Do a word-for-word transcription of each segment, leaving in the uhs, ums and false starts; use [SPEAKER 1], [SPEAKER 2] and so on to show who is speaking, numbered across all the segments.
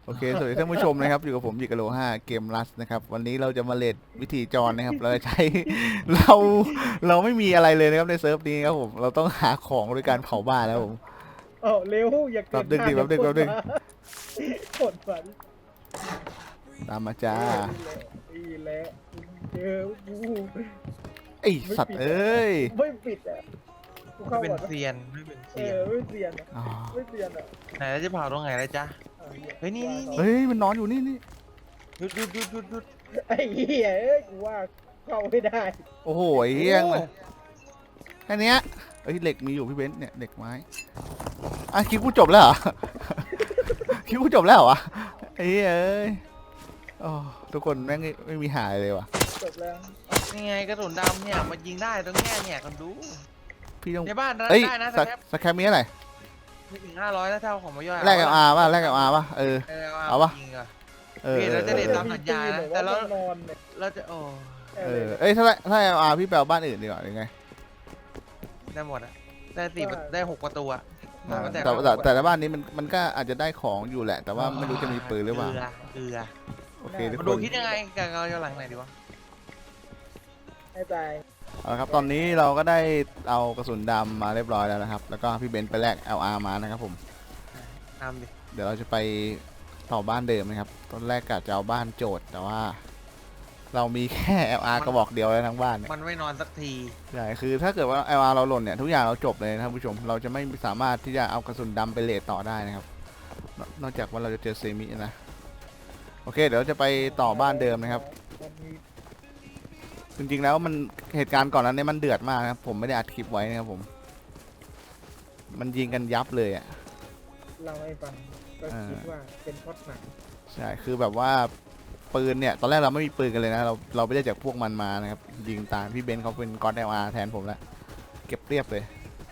[SPEAKER 1] โอเคสวัสดีท่านผู้ชมนะครับอยู่กับผมยิกะโลห้าเกมรัสนะครับวันนี้เราจะมาเลดวิธีจรนะครับเราจะใช้ เราเราไม่มีอะไรเลยนะครับในเซิร์ฟนี้ครับผมเราต้องหาของโดยการเผาบ้านแล้วผม
[SPEAKER 2] เอ้าเร็วอย่าเกิ
[SPEAKER 1] แป๊บนึงดิแป๊บนึงแป๊บนึง
[SPEAKER 2] กดฝัน
[SPEAKER 1] ตามมาจ้า
[SPEAKER 2] นี่แหละเจอกู
[SPEAKER 1] ไอสัตว์เอ้ย
[SPEAKER 2] ไม่ปิดอ่ะกู
[SPEAKER 3] ไม่
[SPEAKER 2] เข้า
[SPEAKER 3] เป็น
[SPEAKER 2] ก่อนนะ
[SPEAKER 3] เซียนไม่เป็น
[SPEAKER 2] เอ
[SPEAKER 3] เซียน
[SPEAKER 2] อไม่เสียนอ่ะ
[SPEAKER 1] อ๋อ
[SPEAKER 2] ไม่เสียนอ่ะ
[SPEAKER 3] ไหนแล้วจะเผาตรงไหนแล้วจ๊ะ
[SPEAKER 2] อา
[SPEAKER 3] เฮ้ยนี่นี่นี่
[SPEAKER 1] เฮ้ยมันนอนอยู่นี่นี่
[SPEAKER 3] หยุดหยุดหยุดหยุดหยุด
[SPEAKER 2] ไอ้เหี้ยเอ้ยกูว่าเข้าไม่ได้
[SPEAKER 1] โอ้โหไอ้เฮี้ยงเลยแค่เนี้ยเอ้ยเหล็กมีอยู่พี่เบนซ์เนี่ยเหล็กไม้อ่ะคลิปกูจบแล้วเหรอ คลิปกูจบแล้วเหรอวะไอ้เหี้ยเอ้ยโอ้ทุกคนแม่งไม่ไม่มีหายเลยว่ะ
[SPEAKER 2] จบแล้ว
[SPEAKER 3] นี่ไงกระสุนดำเนี่ยมันยิงได้ตรงแง่เนี่ยกันดู
[SPEAKER 1] พี่ต้อง
[SPEAKER 3] ในบ้านได้
[SPEAKER 1] เอ้ย
[SPEAKER 3] ได้นะ
[SPEAKER 1] ส
[SPEAKER 3] ส
[SPEAKER 1] ก
[SPEAKER 3] แคป
[SPEAKER 1] สแครปมีอะไร
[SPEAKER 3] ไม่ถึงห้าร้อยแล้วเท่าของมาย่อย
[SPEAKER 1] แลกกับอาป่ะแลกกับอาป่ะเออ
[SPEAKER 3] เออ
[SPEAKER 1] เอา
[SPEAKER 3] เอา
[SPEAKER 1] ปะ
[SPEAKER 3] ยิงอ่ะ
[SPEAKER 1] เออ
[SPEAKER 3] พี่
[SPEAKER 1] เอ
[SPEAKER 3] เรา
[SPEAKER 1] อ
[SPEAKER 3] จะเล่น
[SPEAKER 1] เอ
[SPEAKER 3] ตา
[SPEAKER 1] อ
[SPEAKER 3] มสัญญานะ
[SPEAKER 2] แต่
[SPEAKER 3] แต่
[SPEAKER 2] เรา
[SPEAKER 3] เรา
[SPEAKER 2] นอนเนี่ย
[SPEAKER 3] เราจะโอ้
[SPEAKER 1] เออเอ้ยถ้าถ้าอาพี่แปลบ้านอื่นดีกว่าหรือไง
[SPEAKER 3] ได้หมดอ่ะได้สี่ได้หกประตูอ่ะ
[SPEAKER 1] อ่า
[SPEAKER 3] แต่
[SPEAKER 1] แต่แต่แต่ละบ้านนี้มันมันก็อาจจะได้ของอยู่แหละ แต่ว่าไม่รู้จะมีปืนหรือเปล่า
[SPEAKER 3] เกลือเกลือ
[SPEAKER 1] โอเคทุก
[SPEAKER 3] มา
[SPEAKER 1] ค
[SPEAKER 3] ดู
[SPEAKER 1] น
[SPEAKER 3] คิดยังไงกับเราจะหลังไหนดีวะ
[SPEAKER 2] ให้ตาย
[SPEAKER 1] เอาละครับตอนนี้เราก็ได้เอากระสุนดำมาเรียบร้อยแล้วนะครับแล้วก็พี่เบนซ์ไปแลก แอล อาร์ มานะครับผม
[SPEAKER 3] ทำดิ
[SPEAKER 1] เดี๋ยวเราจะไปต่อบ้านเดิมนะครับตอนแรกกะจะเอาบ้านโจทย์แต่ว่า เรามีแค่ แอล อาร์ กระบอกเดียวแล้วทั้งบ้านเนี่ย
[SPEAKER 3] มันไม่นอนสักที
[SPEAKER 1] ใช่คือถ้าเกิดว่า แอล อาร์ เราหล่นเนี่ยทุกอย่างเราจบเลยนะครับผู้ชมเราจะไม่สามารถที่จะเอากระสุนดำไปเลทต่อได้นะครับนนอกจากว่าเราจะเจอเซมินะโอเคเดี๋ยวเราจะไปต่อบ้านเดิมนะครับ
[SPEAKER 2] มันมี
[SPEAKER 1] จริงๆแล้วมันเหตุการณ์ก่อนนั้นเนี่ยมันเดือดมากนะครับผมไม่ได้อัดคลิปไว้นะครับผม มันยิงกันยับเลยอ่ะ
[SPEAKER 2] เราให้ฟังก็
[SPEAKER 1] อ่า
[SPEAKER 2] คิดว่าเป็นพล็อดหนัง
[SPEAKER 1] ใช่คือแบบว่าปืนเนี่ยตอนแรกเราไม่มีปืนกันเลยนะเราเราไปได้จากพวกมันมานะครับยิงตามพี่เบนซ์เขาเป็นก๊อตแอลอาร์แทนผมแล้วเก็บเรียบเลย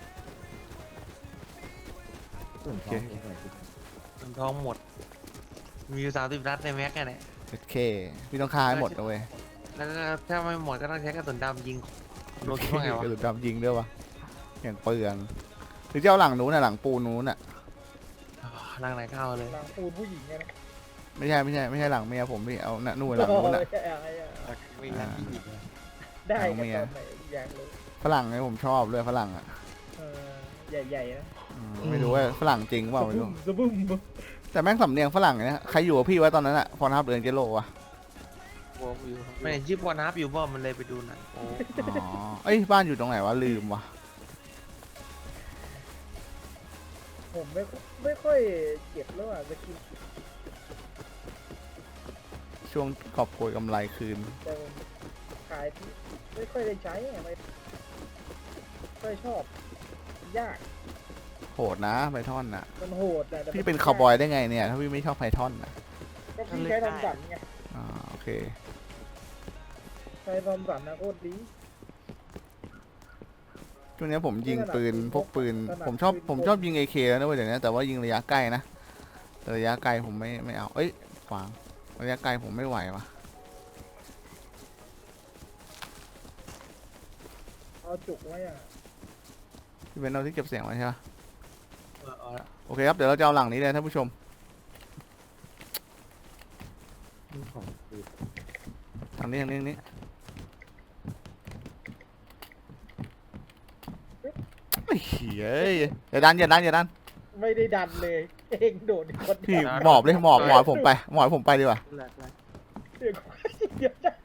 [SPEAKER 4] ส่วนท้องเองหน่อยสิ
[SPEAKER 3] มันทองหมดมีอยู่สามสิบนัดในแม็กเนี่ย
[SPEAKER 1] โอเคพี่ต้องฆ่าให้หมดนะเว้ย
[SPEAKER 3] แล้วก็ถ้าไม่หมดก็ต้องใช้กระสุนดำยิงโลคิดว่าไงวะ
[SPEAKER 1] กระสุนดำยิงด้วยวะอย่างเปลืองหรือจะเอาหลังนู้นน่ะหลังปูนนู้นน่ะ
[SPEAKER 3] ร่างไหนเข้าเลย
[SPEAKER 2] หลังปูนผู้หญิงไงนะ
[SPEAKER 1] ไม่ใช่ไม่ใช่ไม่ใช่หลังเมียผมพี่เอาน่ะนู่นหลังนู้นน่ะ
[SPEAKER 2] โอ้ยอะไรอะ
[SPEAKER 3] ไม่นัดที่ยิง
[SPEAKER 2] ได้
[SPEAKER 1] หลั
[SPEAKER 2] กัน
[SPEAKER 1] งเมีย
[SPEAKER 2] ตอนไหนอยากรู้
[SPEAKER 1] ฝรั่งเนี่ยผมชอบเลยฝรั่งอ่ะ
[SPEAKER 2] เออใหญ่ๆนะ
[SPEAKER 1] อืมไม่รู้ว่าฝรั่งจริงเปล่าไม่รู้
[SPEAKER 2] สะบึ้ม
[SPEAKER 1] แต่แม่งสำเนียงฝรั่งเนี่ยใครอยู่กับพี่ไว้ตอนนั้นอะพอนับเดือนเจโลวะ
[SPEAKER 3] ไม่เห็นชื่อพอนับอยู่บ่มันเลยไปดูหนังโอ้
[SPEAKER 1] อ๋อเอ้ยบ้านอยู่ตรงไหนวะลืมวะ
[SPEAKER 2] ผมไม่ไม่ค่อยเก็บแล้วอ่ะจะกิน
[SPEAKER 1] ช่วงกอบโกยกำไรคืน
[SPEAKER 2] แต่ผมขายที่ไม่ค่อยได้ใช้อะไม่ค่อยชอบยาก
[SPEAKER 1] โหดนะไพทอนน่ะ
[SPEAKER 2] มันโหดอะแต่
[SPEAKER 1] พี่เป็นคาวบอยได้ไงเนี่ย ถ้าพี่ไม่ชอบไพทอนน่ะ
[SPEAKER 2] ก็พี่ใช้ทอมสันไง
[SPEAKER 1] อ่าโอเค
[SPEAKER 2] ใช้ทอมสันนะโคตรดี
[SPEAKER 1] ช่วงนี้ผมยิงปืนพกปืน
[SPEAKER 2] ถนัด
[SPEAKER 1] ผมชอบ
[SPEAKER 2] ปืน
[SPEAKER 1] ผมชอบยิง เอ เค แล้วนะเว้ยเดี๋ยวนี้แต่ว่ายิงระยะใกล้นะแต่ระยะไกลผมไม่ไม่เอาเอ้ยขวางระยะไกลผมไม่ไหววะ
[SPEAKER 2] เอาจุกไว้อ่ะ
[SPEAKER 1] พี่เป็นเอาที่เก็บเสียงไว้ใช่ปะ
[SPEAKER 3] เอาละ
[SPEAKER 1] โอเคครับเดี๋ยวเราจะเอาหลังนี้เลยท่านผู้ชม
[SPEAKER 4] นี่ของคือ
[SPEAKER 1] ทางนี้ทางนี้ทางนี้ไอ้เฮ้ยอย่าดันอย่าดันอย่าดัน
[SPEAKER 2] ไม่ได้ดันเลยเองโดดคน
[SPEAKER 1] พี่
[SPEAKER 2] เดียว
[SPEAKER 1] หมอบเลยหมอบหมอบผมไปหมอบผมไปดีกว่า
[SPEAKER 3] แหลกแหลก
[SPEAKER 2] เดี๋ยวเดี๋ยวจะ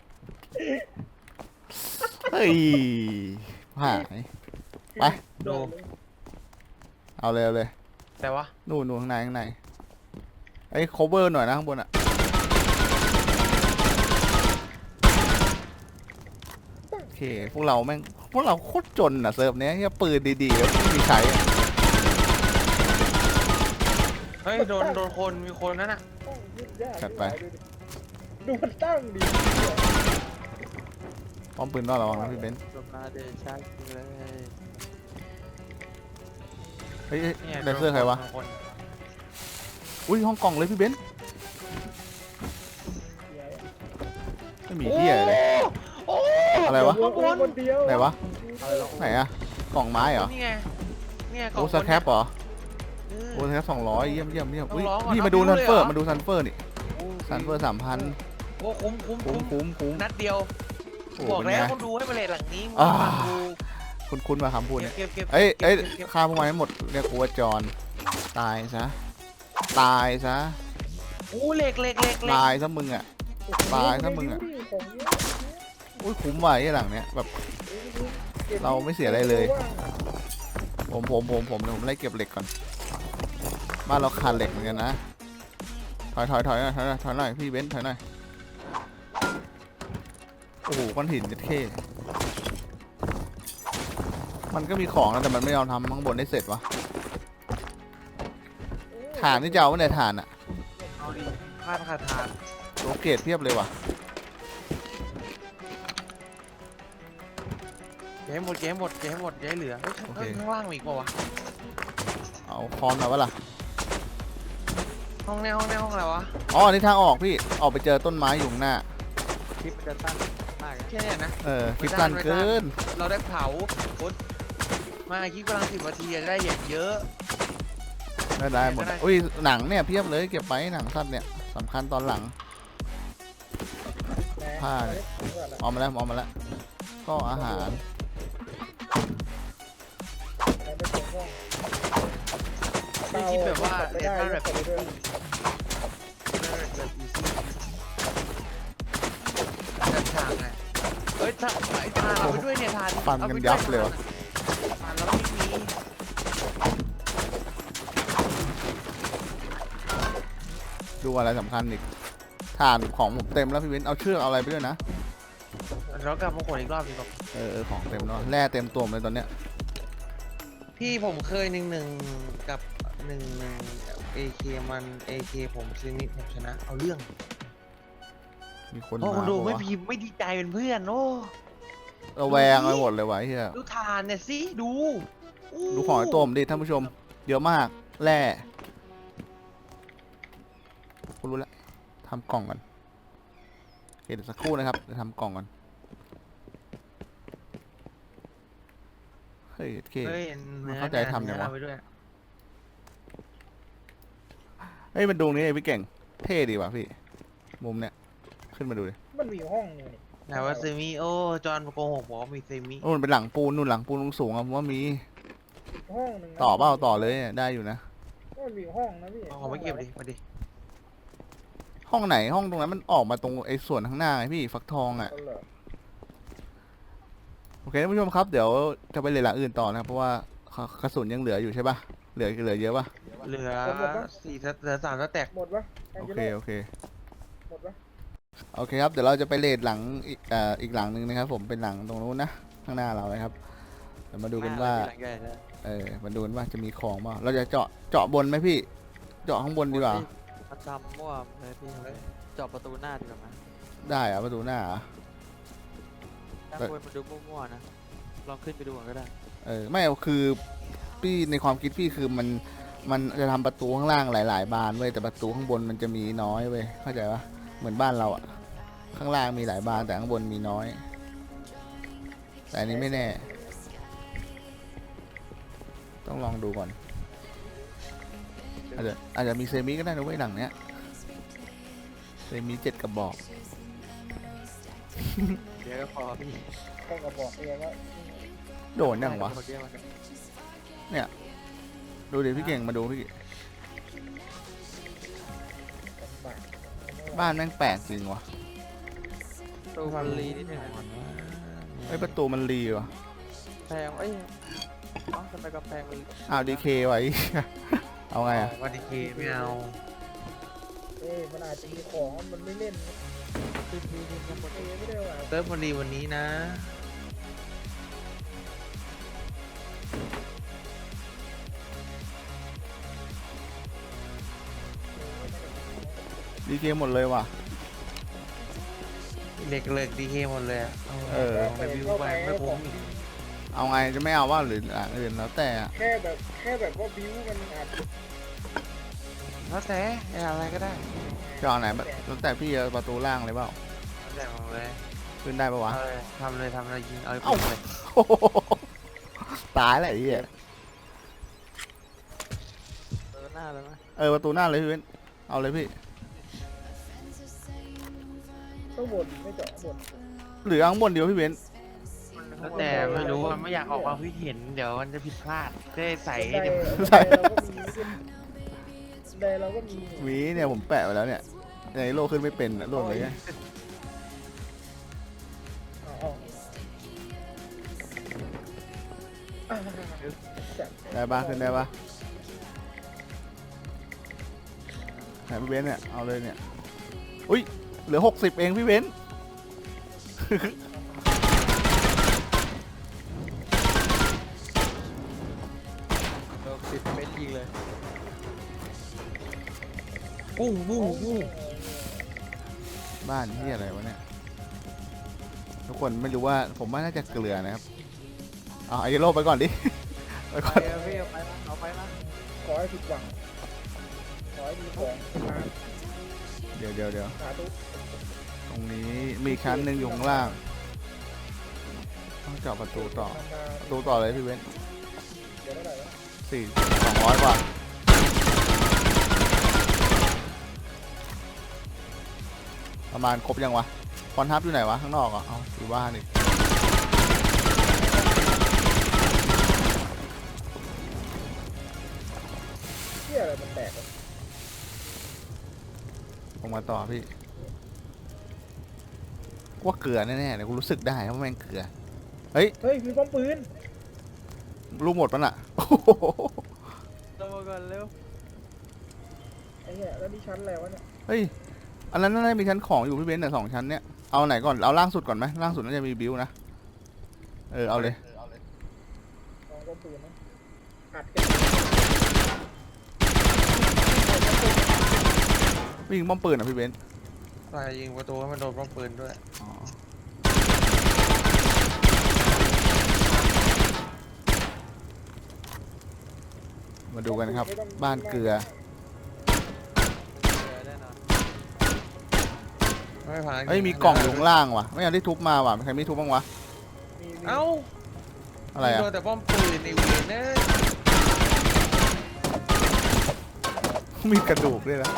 [SPEAKER 1] เฮ้ยหาย ไป
[SPEAKER 2] โดดเลย
[SPEAKER 1] เอาเลยเอาเลย
[SPEAKER 3] แต่ว่า
[SPEAKER 1] นู่นนู่นข้างในข้างในไอ้ cover หน่อยนะข้างบนอ่ะโอเคพวกเราแม่งพวกเราโคตรจนอ่ะเซิร์ฟเนี้ยแค่ปืนดีๆแล้วไม่มีใช้อะ
[SPEAKER 3] เฮ้ยโดนโดนคนมีคนนั่นน่ะ
[SPEAKER 2] ตั้งยึดยาก
[SPEAKER 1] จัดไป
[SPEAKER 2] ดูมันตั้งดี
[SPEAKER 1] ป้อมปืนต้องระวังนะพี่เบนซ์
[SPEAKER 3] สมาเดชาเลย
[SPEAKER 1] เฮ้ยเฮ้ย
[SPEAKER 3] เนี่ย
[SPEAKER 1] เลเซอร์ใครวะ
[SPEAKER 3] โดนคน
[SPEAKER 1] อุ้ยห้องกล่องเลยพี่เบนซ์ไม่มีที่อะไรเลย
[SPEAKER 3] โอ้
[SPEAKER 1] อะไรวะ
[SPEAKER 2] ข้างบนคนเดียว
[SPEAKER 1] ไหนวะ
[SPEAKER 3] อะไรหรอ
[SPEAKER 1] ไหนอะกล่องไม้เหรอ
[SPEAKER 3] นี่ไงเนี่ยกล่อ
[SPEAKER 1] โอ้
[SPEAKER 3] ง
[SPEAKER 1] สแครปเหรอ
[SPEAKER 3] เออ
[SPEAKER 1] โอ้ยแค่สองร้อยเยี่ยมเยี่ยมเยี่ยมอุ้ย
[SPEAKER 3] ต้องร้องก่อน
[SPEAKER 1] พี่มาดู
[SPEAKER 3] เอา
[SPEAKER 1] ซันเฟอร์
[SPEAKER 3] เลยเหรอ
[SPEAKER 1] มาดูซันเฟอร์นี่
[SPEAKER 3] โอ้
[SPEAKER 1] ซันเฟอร์สามพัน
[SPEAKER 3] โอ้คุ้มคุ้ม
[SPEAKER 1] คุ้ม
[SPEAKER 3] คุ้ม
[SPEAKER 1] คุ้มคุ้ม
[SPEAKER 3] นัดเดียว
[SPEAKER 1] โอ้
[SPEAKER 3] บอก
[SPEAKER 1] เป็น
[SPEAKER 3] แล้ว
[SPEAKER 1] ไง
[SPEAKER 3] คนดูให้มาเลทหลังนี้
[SPEAKER 1] อ่า
[SPEAKER 3] ฟังกู
[SPEAKER 1] คุณคุณมาคำพูดเนี่ย
[SPEAKER 3] เก็บเก็บ
[SPEAKER 1] เอ้ยเอ้ย
[SPEAKER 3] ก็บก็บ
[SPEAKER 1] ฆ่าพวกมันให้หมดเรียกกูว่าจอนตายซะตายซะ
[SPEAKER 3] โอ้เหล็กเหล็กเหล็กเหล็ก
[SPEAKER 1] ตายซะมึงอ่ะ ตายถ้ามึงอะ
[SPEAKER 2] ของเยอะ
[SPEAKER 1] อุ้ยคุ้มว่ะไอ้หลังเนี้ยแบบ
[SPEAKER 2] ก็บ
[SPEAKER 1] เราไม่เสียอะไรเลย
[SPEAKER 2] ว่าง
[SPEAKER 1] ผมผมผมผมเดี๋ยวผมไล่เก็บเหล็กก่อนบ้านเราขาดเหล็กเหมือนกันนะถอยถอยถอยหน่อยถอยหน่อยถอยหน่อยพี่เบนซ์ถอยหน่อยโอ้โหก้อนหินเจ็ดเข้มันก็มีของนะแต่มันไม่ยอมทำข้างบนได้เสร็จวะฐานนี่จะเอาไว้ในฐานอะ
[SPEAKER 3] เอาดิพลาดขาดทาน
[SPEAKER 1] โลเกตเพียบเลยว่ะ
[SPEAKER 3] อย่าให้หมดอย่าให้หมดอย่าให้หมดอย่าให้เหลือเฮ้ยข้าง
[SPEAKER 1] โอเค
[SPEAKER 3] ข้างล่างมีอีกเปล่าวะ
[SPEAKER 1] เอาคอนมาวะล่ะ
[SPEAKER 3] ห้องแนวห้องแนวห้องอะไรวะ
[SPEAKER 1] อ๋ออันนี้ทางออกพี่ออกไปเจอต้นไม้อยู่ข้างหน้า
[SPEAKER 4] คลิปมันจะสั้นมากเลย
[SPEAKER 3] แค่เนี้ยนะ
[SPEAKER 1] เออคลิปสั้นเกิน
[SPEAKER 3] เราได้เผาโอ๊ยมาคลิปกำลังสิบนาทีจะได้อย่างเยอะ
[SPEAKER 1] ได้ได้หมด
[SPEAKER 3] ได้
[SPEAKER 1] อุ้ยหนังเนี่ยเพียบเลยเก็บไปหนังสั้นเนี่ยสำคัญตอนหลัง
[SPEAKER 2] นะ
[SPEAKER 1] ผ้าเนี่ย เอามาแล้วเอามาแล้วก็อาหาร
[SPEAKER 2] เอาไปส่งห้อง
[SPEAKER 3] มีคลิปแบบว่า
[SPEAKER 2] ไม่
[SPEAKER 3] เด
[SPEAKER 2] ได้
[SPEAKER 3] ต้าแบบ
[SPEAKER 2] แบบ
[SPEAKER 3] อี
[SPEAKER 2] ด้วย
[SPEAKER 3] ซี่แบบอีซี่แบบทางไงเฮ้ยทางไอ้ทางเราไปด้วยเนี่ยทาน
[SPEAKER 1] ฟันกันยับเลยวะ
[SPEAKER 3] ทานเราไม่มี
[SPEAKER 1] ดูอะไรสำคัญอีกฐานของผมเต็มแล้วพี่เว้นเอาเชือกเอาอะไรไปด้วยนะ
[SPEAKER 3] เรากลับมาขนอีกรอบดีกว่า
[SPEAKER 1] เออเออของเต็มแล้วแร่เต็มตัวหมดเลยตอนเนี้ย
[SPEAKER 3] พี่ผมเคยหนึ่งหนึ่งกับหนึ่งหนึ่งเอเคมันเอเคผมซีนิผมชนะเอาเรื่อง
[SPEAKER 1] มีคน
[SPEAKER 3] โอ้
[SPEAKER 1] มา
[SPEAKER 3] คนดู
[SPEAKER 1] ปะ
[SPEAKER 3] ไม่
[SPEAKER 1] วะ
[SPEAKER 3] พิมพ์ไม่ดีใจเป็นเพื่อนโอ้
[SPEAKER 1] ระแวงไปหมดเลยวะไอ้เฮีย
[SPEAKER 3] ดูทานเนี่ยสิดูอู้
[SPEAKER 1] ดูของไอ้ตัวผมดิท่านผู้ชมเยอะมากแร่กูรู้แล้วทำกล่องก่อนโอเคเดี๋ยวสักครู่นะครับเดี๋ยวทำกล่องก่อนเฮ้ยโอเค
[SPEAKER 3] เฮ้ย
[SPEAKER 1] มันเข้าใจทำยังวะ
[SPEAKER 3] เนื้อเอาไปด้วย
[SPEAKER 1] เฮ้ยมันดูนี่ไอ้พี่เก่งเท่ดีว่ะพี่มุมเนี้ยขึ้นมาดูดิ
[SPEAKER 2] มันมีห้องอยู่นี่
[SPEAKER 3] ไหนว่าเซมิโอจอห์นโกหกบอกว่ามีเซมิ
[SPEAKER 1] โอ้มันเป็นหลังปูนนู่นหลังปูนสูงๆอะผมว่ามี
[SPEAKER 2] ห้องหนึ่งนะ
[SPEAKER 1] ต่อเปล่าต่อเลยได้อยู่นะ
[SPEAKER 2] มันมีห้องนะพี่
[SPEAKER 3] เอาของไม่เก็บดิมาดิ
[SPEAKER 1] ห้องไหนห้องตรงนั้นมันออกมาตรงไอ้ส่วนข้างหน้าไงพี่ฟักทองอ่ะ
[SPEAKER 2] เอาเหรอ
[SPEAKER 1] โอเคท่านผู้ชมครับเดี๋ยวจะไปเลยหลังอื่นต่อนะครับเพราะว่ากระสุนยังเหลืออยู่ใช่ปะเหลือเหลือเยอะปะ
[SPEAKER 3] เหลือสี่สเหลือสามสแต็ก
[SPEAKER 2] หมดปะแอง
[SPEAKER 1] โอ
[SPEAKER 2] เจ
[SPEAKER 1] เค
[SPEAKER 2] โล
[SPEAKER 1] โอเค
[SPEAKER 2] หมดปะ
[SPEAKER 1] โอเคครับเดี๋ยวเราจะไปเลดหลังอีกเอ่ออีกหลังหนึ่งนะครับ ผมเป็นหลังตรงนู้นนะข้างหน้าเรานะครับเดี๋ยวมาดูกันว่าเออมาดูกันว่าจะมีของป่ะเราจะเจาะเจาะบนไหมพี่ เจาะข้างบนดีกว่า
[SPEAKER 5] มาจำมั่วเลยพี่เจาะประตูหน้าดีกว่าไหม
[SPEAKER 1] ได้อะประตูหน้าอะ
[SPEAKER 5] ด้านบนมันดูมั่วๆนะ ลองขึ้นไปดูก่อนก็ได้
[SPEAKER 1] เออไม่คือพี่ในความคิดพี่คือมันมันจะทำประตูข้างล่างหลาย ๆ บานเว้ยแต่ประตูข้างบนมันจะมีน้อยเว้ยเข้าใจปะเหมือนบ้านเราอะข้างล่างมีหลายบานแต่ข้างบนมีน้อย แต่อันนี้ไม่แน่ ต้องลองดูก่อนอาจจะอาจจะมีเซมิก็ได้นะเว้ยหลังเนี้ยเซมิเจ็ดกระบอก
[SPEAKER 5] เดี๋ยวก็พอพี่
[SPEAKER 2] ต้องกระบอกเองว่า
[SPEAKER 1] โดนยังวะ
[SPEAKER 5] เดี๋ยมัน
[SPEAKER 1] ดูดิพี่เก่งมาดูพี่
[SPEAKER 2] บาท
[SPEAKER 1] บ้านแม่งแปลกจริงวะ
[SPEAKER 5] ประตูมันรีนิดหนึงอะ
[SPEAKER 1] ไอ้ยประตูมันรีวะ
[SPEAKER 5] แพงเอ้ยเอ้าทำไมกำแพงมัน
[SPEAKER 1] อ้าวดีเคไว้ เอาไงอะ
[SPEAKER 3] วันดีเคไม่เอา
[SPEAKER 2] เอ้ยมันอาจจะมีของมันไม่เล่น
[SPEAKER 5] ขึ้นดีขึ้นข้างบน
[SPEAKER 2] เอ้ยไม่ได้ว่า
[SPEAKER 3] เติมวันดีวันนี้นะ
[SPEAKER 1] ดีเคหมดเลยว่ะ
[SPEAKER 3] เหล็กเหล็กดีเคหมดเลยอะ
[SPEAKER 1] เออ
[SPEAKER 3] ไปวิวไปไม่คุ้มอีก
[SPEAKER 1] เอาไงจะไม่เอาว่าหรือหลังอื่นแล้วแต่อะ
[SPEAKER 2] แค่แบบแค่แบบว่าบิวมันอาจจะ
[SPEAKER 3] แล้วแต่อะไรก็ได้
[SPEAKER 1] จะเอาไหนแบบแล้วแต่พี่เอาประตูล่างเลยเปล่า
[SPEAKER 3] แล้วแต่หมดเลย
[SPEAKER 1] ขึ้นได้ปะวะ
[SPEAKER 3] เอาเลยทำเลยทำเลยยิงเอา
[SPEAKER 1] เอ้า
[SPEAKER 3] ไปเลย
[SPEAKER 1] ตายแล้วไอ้เหี้ย
[SPEAKER 5] น้าเลยไหม
[SPEAKER 1] เออประตูหน้าเลยพี่เบนซ์เอาเลยพี่
[SPEAKER 2] ต้องบนไม่เจาะบน
[SPEAKER 1] หรือเอาข้างบนเดียวพี่เบนซ์
[SPEAKER 3] แล้วแต่ไม่รู้มันไม่อยากออกความคิดเห็นเดี๋ยวมันจะผิดพลาดจะได้ใส่
[SPEAKER 2] บันได
[SPEAKER 3] เต็ม
[SPEAKER 2] บันไดเราก็มีบันไดเราก็มี
[SPEAKER 1] หวีเนี่ยผมแปะไว้แล้วเนี่ยในโลกขึ้นไม่เป็นอะโลกเลยไง
[SPEAKER 2] เอาเอาอ่าจัด
[SPEAKER 1] ได้ปะขึ้นได้ปะไหนพี่เบนซ์เนี่ยเอาเลยเนี่ยอุ้ยเหลือหกสิบเองพี่เบนซ์
[SPEAKER 5] โดนติดเป็นยิงเลย
[SPEAKER 3] ปุ้งปุ้งปุ้ง
[SPEAKER 1] บ้านที่อะไรวะเนี่ยทุกคนไม่รู้ว่าผมว่าน่าจะเกลือนะครับเอาไอโลไปก่อนดิ ไป
[SPEAKER 5] ไป
[SPEAKER 1] ก่อน
[SPEAKER 5] เอาพี่เอาไปมาเอาไปมา
[SPEAKER 2] ขอให้ผิดหวังขอให้มีของมา
[SPEAKER 1] เดี๋ยวเดี๋ยวเดี๋ยว
[SPEAKER 2] สาธุ
[SPEAKER 1] ตรงนี้มีชั้นหนึ่งอยู่ข้างล่างต้องเจาะประตูต่อ
[SPEAKER 2] ทำมา
[SPEAKER 1] ประตูต่อเลยพี่เบนซ์
[SPEAKER 2] เดี๋ยวเท่าไหร่วะ
[SPEAKER 1] สี่สองร้อยกว่าประมาณครบยังวะคอนทับอยู่ไหนวะข้างนอกเหรอ่ะเอาอยู่บ้านอีก
[SPEAKER 2] เที่ยอะไรมันแตกวะ
[SPEAKER 1] ลงมาต่อพี่ว่าเกลือแน่ๆเลยกูรู้สึกได้ว่าแม่งเกลือ
[SPEAKER 2] เฮ้ยมีป้อมปืน
[SPEAKER 1] ลูกหมดปะน่ะ โอ้โห
[SPEAKER 5] ลงมาก่อนเร็ว
[SPEAKER 2] ไอ้เหี้ยแล้วนี่ชั้นอะไรวะเนี่ย
[SPEAKER 1] เฮ้ยอันนั้นน่าจะมีชั้นของอยู่พี่เบนซ์เนี่ยสองชั้นเนี่ยเอาไหนก่อนเอาล่างสุดก่อนไหมล่างสุดน่าจะมีบิวนะเออเอาเลย
[SPEAKER 2] ลองป้อมปืนนะอัดกัน
[SPEAKER 1] วิ่งป้อมปืนอ่ะพี่เบนซ์
[SPEAKER 3] ไปยิงประตูให้มันโดนป้อมปืนด้วย
[SPEAKER 1] อ๋อมาดูกันครับ บ้านเกลือ
[SPEAKER 5] เจอแน่นอน
[SPEAKER 3] ไม่ผ่าน
[SPEAKER 1] เฮ้ยมีกล่องอยู่ข้างล่างว่ะไม่เอาได้ทุบมาว่ะใครไม่ทุบบ้างวะ
[SPEAKER 2] มีมี
[SPEAKER 3] เอ้า
[SPEAKER 1] อะไรอ่ะ
[SPEAKER 3] โดนแต่ป้อมปืนในเวียนเนย
[SPEAKER 1] มีกระดูกด้วยนะ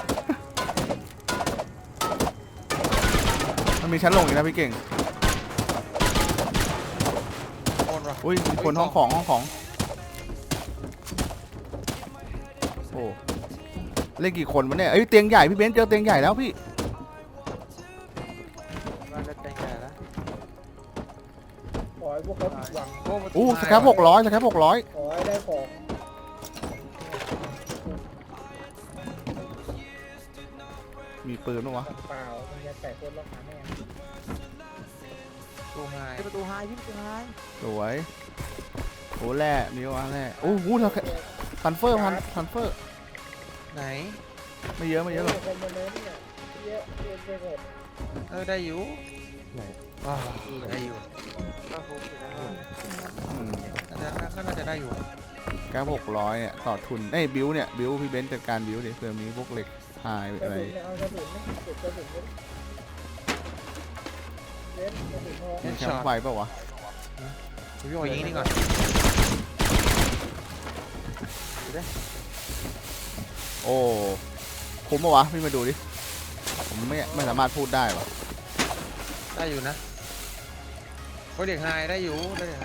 [SPEAKER 1] มันมีชั้นลงอีกนะพี่เก่ง
[SPEAKER 3] โอนวะ
[SPEAKER 1] อุ้ยมีคนห้องของห้องของโอ้เล่นกี่คนวะเนี่ยเอ้ยเตียงใหญ่พี่เบนซ์เจอเตียงใหญ่แล้วพี่
[SPEAKER 5] บ้านจะแต่งใหญ่แล้ว
[SPEAKER 2] ขอให้พวกเขาผิดหวัง
[SPEAKER 3] โอ้ประตู
[SPEAKER 1] อู้ส
[SPEAKER 3] หาย
[SPEAKER 1] ครับหกร้อยสครับหกร้อย
[SPEAKER 2] ขอให้ได้ของ
[SPEAKER 1] มีปืนปะวะ
[SPEAKER 2] เปล่ามันจะแตกคนล็อกหาแม่
[SPEAKER 3] ประตูหาย
[SPEAKER 5] ที่ประตูไฮที่ประตูไฮ
[SPEAKER 1] สวยโอ้แร่มีวะแร่โอ้โหเธอพันเฟอร์พันพันเฟอร์
[SPEAKER 3] ไหน
[SPEAKER 1] ไม่เยอะไม่เยอะหรอก
[SPEAKER 2] คนมาเน้นเนี่ยเยอะเกินไปหมด
[SPEAKER 3] เออได้อยู่ว้าวได้อยู่
[SPEAKER 5] ก็คุ้มอยู่นะ
[SPEAKER 1] อืม
[SPEAKER 3] น่าจะก็น่าจะได้อยู่
[SPEAKER 1] แค่หกร้อยเนี่ยต่อทุนเอ้ยบิวเนี่ยบิวพี่เบนซ์จัดการบิวดิเผื่อมีพวกเหล็กหาย
[SPEAKER 2] กระ
[SPEAKER 1] อะไร
[SPEAKER 2] สุนเนี่ยเอากระสุนไหมเก็บกระสุนไว้เล่นกระสุนทอง
[SPEAKER 1] มีแคมป์ไฟเปล่าวะ
[SPEAKER 3] พี่บอกยิงนี่ก่อน
[SPEAKER 1] โอ้คุ้มปะวะพี่มาดูดิผมไม่ไม่สามารถพูดได้วะ
[SPEAKER 3] ได้อยู่นะโอ้ยเด็กไฮได้อยู่ได้เด็กไฮ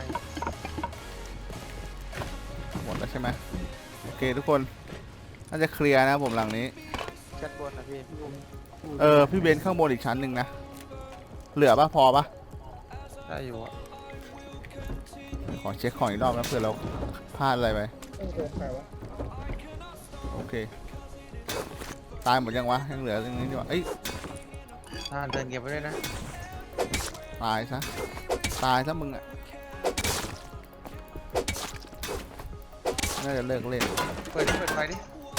[SPEAKER 1] หมดแล้วใช่ไหมโอเคทุกคนน่าจะเคลียร์นะผมหลังนี้
[SPEAKER 5] ชั้นบนนะพี่
[SPEAKER 1] เออพี่เบนซ์ข้างบนอีกชั้นหนึ่งนะเหลือปะพอปะ
[SPEAKER 3] ได้อยู่อะ
[SPEAKER 1] ขอเช็คของอีกรอบนะเผื่อเราพลาดอะไรไป
[SPEAKER 2] โอ้โหใครวะ
[SPEAKER 1] โอเคตายหมดยังวะยังเหลือตรงนี้ดีกว่าเอ้ย
[SPEAKER 3] ทานเดินเก็บไว้ด้วยนะ
[SPEAKER 1] ตายซะตายซะมึงอ่ะน่าจะเลิกเล่น
[SPEAKER 3] เปิดดิเปิดไฟดิ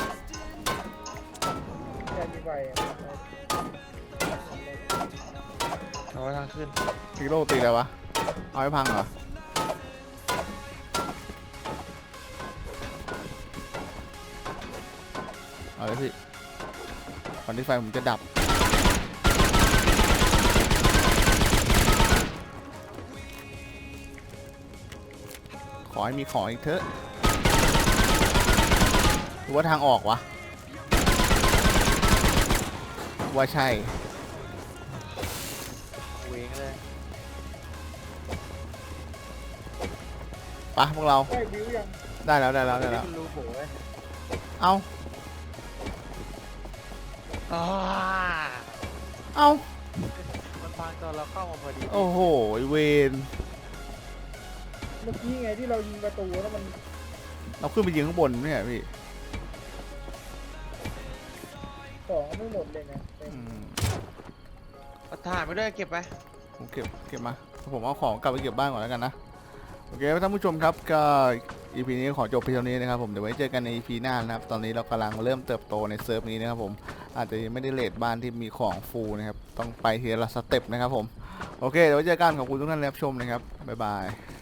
[SPEAKER 2] แค่มีไฟอะ
[SPEAKER 3] เอาไว้ทางขึ้น
[SPEAKER 1] ฮีโร่ตีแล้ววะเอาให้พังเหรอเอาเลยพี่ก่อนที่ไฟผมจะดับขอให้มีของอีกเถอะหรือว่าทางออกวะว่าใช่
[SPEAKER 5] เวงเลย
[SPEAKER 1] ปะพวกเรา
[SPEAKER 2] ได้วิวยัง
[SPEAKER 1] ได้แล้วได้แล้วได้แล้ว
[SPEAKER 4] มันรูโบไว้
[SPEAKER 1] เอา
[SPEAKER 3] อ่า
[SPEAKER 1] เอา
[SPEAKER 5] มันพังตอนเราเข้ามาพอดี
[SPEAKER 1] โอ้โหไอ้เวน
[SPEAKER 2] เมื่อกี้ไงที่เรายิงประตูแล้วมัน
[SPEAKER 1] เราขึ้นไปยิงข้างบนเนี่ยพี่
[SPEAKER 2] ของไม่หมดเลยนะเต็ม
[SPEAKER 1] อืม
[SPEAKER 3] เอาถ่านไปด้วยเก็บไป
[SPEAKER 1] ผมเก็บเก็บมาผมเอาของกลับไปเก็บบ้านก่อนแล้วกันนะโอเคท่านผู้ชมครับก็ อี พี นี้ขอจบเพียงเท่านี้นะครับผมเดี๋ยวไว้เจอกันใน อี พี หน้านะครับตอนนี้เรากำลังเริ่มเติบโตในเซิร์ฟนี้นะครับผมอาจจะยังไม่ได้เลทบ้านที่มีของฟูลนะครับต้องไปทีละสเต็ปนะครับผมโอเคเดี๋ยวไว้เจอกันขอบคุณทุกท่านที่รับชมนะครับบ๊ายบาย